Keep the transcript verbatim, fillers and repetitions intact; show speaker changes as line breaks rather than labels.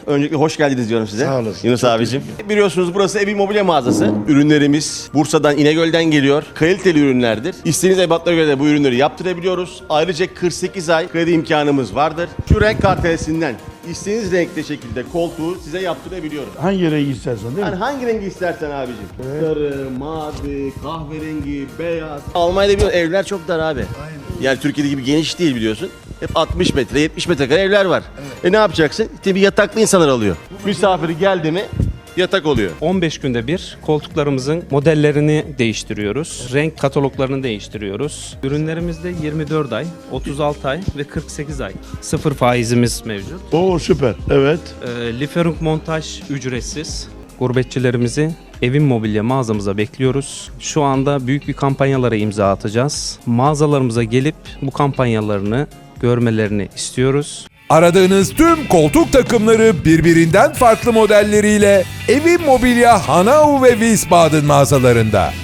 Öncelikle hoş geldiniz diyorum size.
Sağ olasın.
Yunus
Çok
abicim. Biliyorsunuz burası Evin Mobilya mağazası. Ürünlerimiz Bursa'dan, İnegöl'den geliyor. Kaliteli ürünlerdir. İstediğiniz ebatlara göre de bu ürünleri yaptırabiliyoruz. Ayrıca kırk sekiz ay kredi imkanımız vardır. Şu renk kartelesinden istediğiniz renkte şekilde koltuğu size yaptırabiliyoruz.
Hangi rengi istersen değil mi?
Yani hangi rengi istersen abicim. Sarı, mavi, kahverengi, beyaz. Almanya'da biliyorsun evler çok dar abi. Aynen. Yani Türkiye'de gibi geniş değil biliyorsun. Hep altmış metre, yetmiş metrekare evler var. Evet. E ne yapacaksın? İşte bir yataklı insanlar alıyor. Misafiri geldi mi yatak oluyor.
on beş günde bir koltuklarımızın modellerini değiştiriyoruz. Renk kataloglarını değiştiriyoruz. Ürünlerimizde yirmi dört ay, otuz altı ay ve kırk sekiz ay sıfır faizimiz mevcut.
Oo süper. Evet.
E, Liferung montaj ücretsiz. Gurbetçilerimizi Evin Mobilya mağazamıza bekliyoruz. Şu anda büyük bir kampanyalara imza atacağız. Mağazalarımıza gelip bu kampanyalarını görmelerini istiyoruz.
Aradığınız tüm koltuk takımları birbirinden farklı modelleriyle Evin Mobilya Hanau ve Wiesbaden mağazalarında.